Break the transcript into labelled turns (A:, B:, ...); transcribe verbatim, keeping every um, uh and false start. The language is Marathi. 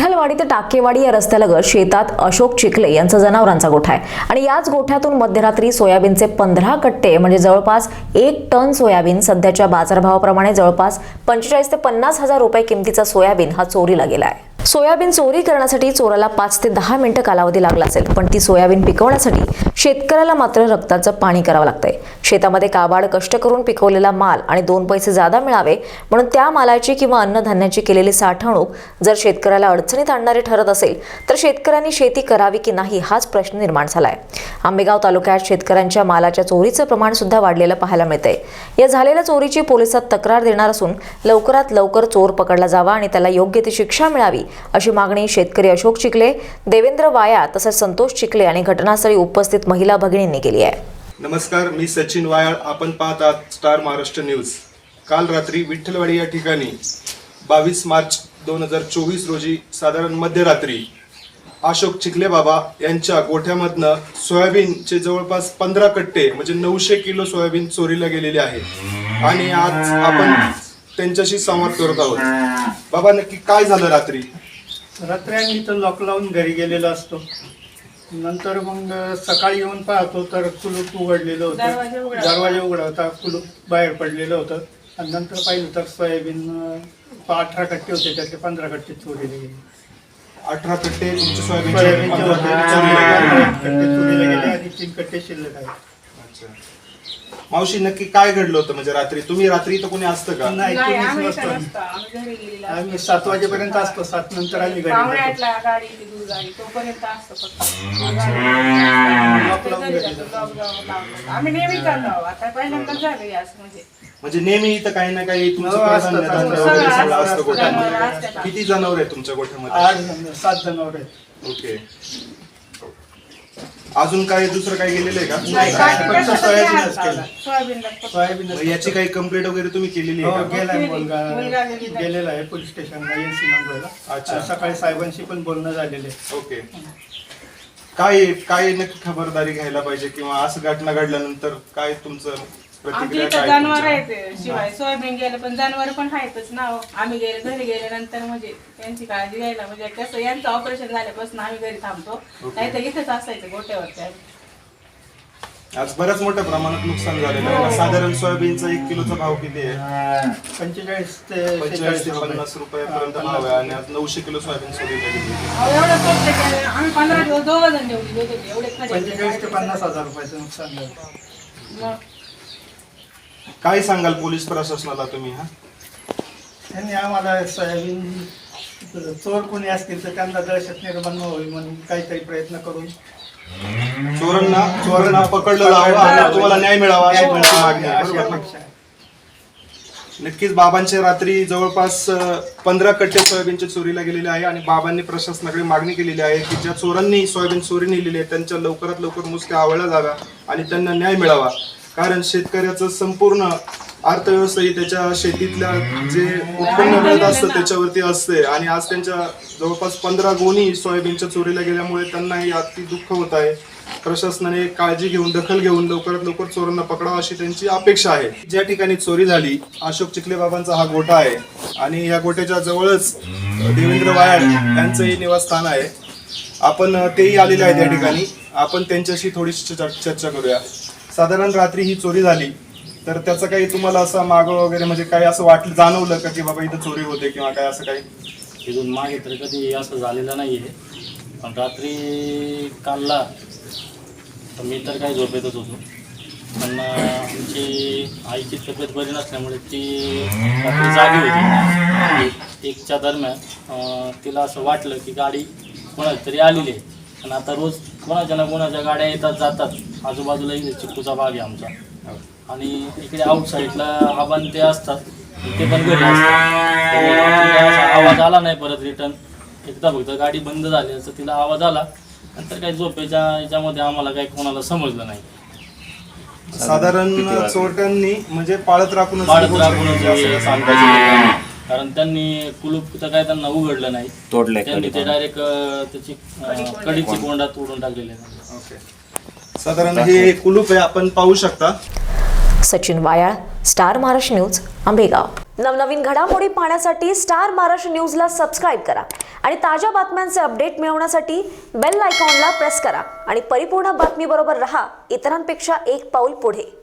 A: विठ्ठलवाडी ते टाकेवाडी या रस्त्यालगत शेतात अशोक चिखले यांचा जनावरांचा गोठा आहे आणि याच गोठ्यातून मध्यरात्री सोयाबीनचे पंधरा कट्टे म्हणजे जवळपास एक टन सोयाबीन सध्याच्या बाजारभावाप्रमाणे जवळपास पंचेचाळीस ते पन्नास हजार रुपये किमतीचा सोयाबीन हा चोरीला गेला आहे। सोयाबीन चोरी करण्यासाठी चोराला पाच ते दहा मिनिटं कालावधी लागला असेल, पण ती सोयाबीन पिकवण्यासाठी शेतकऱ्याला मात्र रक्ताचं पाणी करावं लागतंय। शेतामध्ये काबाड कष्ट करून पिकवलेला माल आणि दोन पैसे जादा मिळावे म्हणून त्या मालाची किंवा अन्नधान्याची केलेली साठवणूक जर शेतकऱ्याला अडचणीत आणणारी ठरत असेल तर शेतकऱ्यांनी शेती करावी की नाही हाच प्रश्न निर्माण झालाय। आंबेगाव तालुक्यात शेतकऱ्यांच्या मालाच्या चोरीचं प्रमाण सुद्धा वाढलेलं पाहायला मिळतंय। या झालेल्या चोरीची पोलिसात तक्रार देणार असून लवकरात लवकर चोर पकडला जावा आणि त्याला योग्य ती शिक्षा मिळावी अशी मागणी शेतकरी अशोक चिखले, देवेंद्र वाया तसंच संतोष चिखले आणि घटनास्थळी उपस्थित महिला भगिनींनी केली आहे।
B: नमस्कार, मी सचिन वायाळ, आपण पाहत आहात स्टार महाराष्ट्र न्यूज। काल रात्री विठ्ठलवाडी या ठिकाणी बावीस मार्च दोन हजार चोवीस रोजी साधारण मध्यरात्री अशोक चिखले बाबा यांच्या गोठ्यामधनं सोयाबीनचे जवळपास पंधरा कट्टे म्हणजे नऊशे किलो सोयाबीन चोरीला गेलेले आहे आणि आज आपण त्यांच्याशी संवाद करत आहोत। बाबा, नक्की काय झालं रात्री?
C: रात्री आम्ही इथं लॉक लावून घरी गेलेलो असतो, नंतर मग सकाळी येऊन पाहतो तर कुलूप उघडलेलं होतं, दरवाजा उघडा होता, कुलूप बाहेर पडलेलं होतं आणि नंतर पाहिलं तर सोयाबीन अठरा कट्टे होते, त्यातले पंधरा कट्टे चोरीला गेले।
B: अठरा कट्टे तुमचे सोयाबीन
C: कट्टे चोरीला गेले आणि तीन कट्टे शिल्लक आहेत।
B: मावशी, नक्की काय घडलं होतं? म्हणजे रात्री तुम्ही रात्री तर कोणी असतं का?
C: नाही, कोणीच नसतं। आम्ही सात वाजेपर्यंत असतो, सात नंतर आम्ही घरी
D: आम्ही नेहमी करतो, आता पहिल्यांदा झालं असं म्हणजे
B: म्हणजे नेहमी इथं काही ना काही तुमचं
C: हो, असतं,
B: कडधान्य
C: सगळं
B: वगैरे सगळं
C: असतं,
B: असतं गोठ्यामध्ये।
D: असतं.
B: किती जनावर आहेत तुमच्या गोठ्यामध्ये?
C: आठ जण- सात जनावर आहेत।
B: ओके, अजून काय दुसरं काय गेलेलं आहे का?
C: नाही,
D: बाकी
C: फक्त
D: कसं
C: सोयाबीनच
D: हात
C: केलं।
D: लावला. सोयाबीनला फक्त.
C: सोयाबीन
B: मग याची काही कंप्लेंट वगैरे तुम्ही केलेली
C: हो,
B: आहे का?
C: गेलाय
D: मुलगा
C: मुलगा
D: गेलेला.
C: गेलेला आहे पोलीस स्टेशनला, एनसी नंबरला।
B: अच्छा.
C: सकाळी साहेबांशी पण बोलणं झालेलं आहे।
B: ओके, काय काय नक्की खबरदारी घ्यायला पाहिजे किंवा असं घटना घडल्यानंतर काय तुमचं
D: आमच्या
B: प्रतिक्रिया
D: इथं
B: काय
D: जनावर
B: तुमच्या?
D: आहेत, शिवाय सोयाबीन गेलं पण जनावर पण आहेतच ना हो. आम्ही गेले घरी गेल्यानंतर म्हणजे त्यांची काळजी घ्यायला म्हणजे कसं यांचं ऑपरेशन झाल्यापासून आम्ही घरी थांबतो, नाही तर इथेच असायचं गोट्यावरती।
B: आज बऱ्याच मोठ्या प्रमाणात नुकसान झालेलं आहे ना? साधारण सोयाबीनचा एक किलोचा भाव किती आहे?
C: पंचेचाळीस ते
B: पंचेचाळीस ते पन्नास रुपयापर्यंत भाव आहे आणि आज नऊशे किलो सोयाबीन चोरीला गेली।
D: अहो, एवढं स्वच्छ केलं. आम्ही पंधरा दिवस दोघं जण जेवली होते, एवढे खडे
C: पंचेचाळीस ते पन्नास हजार रुपयाचं नुकसान झालं।
D: मग
B: काय सांगाल पोलीस प्रशासनाला तुम्ही? हा,
C: त्यांनी आम्हाला सोयाबीन चोर कोणी असतील तर त्यांना दहशत निर्माण व्हावी म्हणून काहीतरी प्रयत्न करून
B: चोरांना चोरांना पकडलं जावं आणि तुम्हाला न्याय मिळावा अशी तुमची मागणी आहे,
C: अशी
B: बरोबर?
C: अपेक्षा आहे।
B: नक्कीच बाबांच्या रात्री जवळपास पंधरा कट्टे सोयाबीनच्या चोरीला गेलेले आहे आणि बाबांनी प्रशासनाकडे मागणी केलेली आहे की ज्या चोरांनी सोयाबीन चोरी नेलेली आहे त्यांच्या लवकरात लवकर मुसक्या आवळल्या जाव्या आणि त्यांना न्याय मिळावा। कारण शेतकऱ्याचं संपूर्ण अर्थव्यवस्था ही त्याच्या शेतीतल्या जे उत्पन्न मिळत असतं त्याच्यावरती असते आणि आज त्यांच्या जवळपास पंधरा गोणी सोयाबीनच्या चोरीला गेल्यामुळे त्यांनाही अति दुःख होत आहे। प्रशासनाने काळजी घेऊन दखल घेऊन लवकरात लवकर चोरांना पकडावं अशी त्यांची अपेक्षा आहे। ज्या ठिकाणी चोरी झाली अशोक चिखले बाबांचा हा गोठा आहे आणि या गोठ्याच्या जवळच देवेंद्र वायाळ यांचंही निवासस्थान आहे। आपण तेही आलेले आहेत या ठिकाणी, आपण त्यांच्याशी थोडीशी चर्चा करूया। साधारण रात्री ही चोरी झाली तर त्याचं काही तुम्हाला असं मागं वगैरे म्हणजे काही असं वाटलं जाणवलं का की बाबा इथं चोरी होते किंवा काय असं काही?
E: इथून मागे तर कधी असं झालेलं नाही आहे, पण रात्री कालला तर मी तर काही झोपेतच होतो, पण आमची आईची तब्येत बरी नसल्यामुळे ती रात्री जागी होती। एकच्या दरम्यान तिला असं वाटलं की गाडी कोणाची तरी आलेली आहे आणि आता रोज कोणाच्या ना कोणाच्या गाड्या येतात जातात, आजूबाजूला इथे चिक्कूचा बाग आहे आमचा आणि इकडे आउट साईडला आबान ते असतात, ते पण घरी असतात। आवाज आला नाही परत रिटर्न, एकदा फक्त गाडी बंद झाली असं तिला आवाज आला, नंतर काही झोपेच्या याच्यामध्ये आम्हाला काही कोणाला समजलं नाही।
B: साधारण चोरट्यांनी म्हणजे पाळत राखून
E: पाळत राखूनच सांगायचं, कारण त्यांनी कुलूप तर काय त्यांना उघडलं नाही, तोडले त्यांनी ते डायरेक्ट त्याची कडीची कोंडा तोडून टाकलेली आहे।
B: ओके, साधारण हे कुलूप आहे, आपण पाहू शकता।
A: Sachin Vayal, Star Maharashtra News, Ambegaon. नवनवीन घडामोडी पाहण्यासाठी स्टार महाराष्ट्र न्यूजला सबस्क्राईब करा आणि ताज्या बातम्यांचे अपडेट मिळवण्यासाठी बेल आयकॉनला प्रेस करा आणि परिपूर्ण बातमीबरोबर रहा, इतरांपेक्षा एक पाऊल पुढे.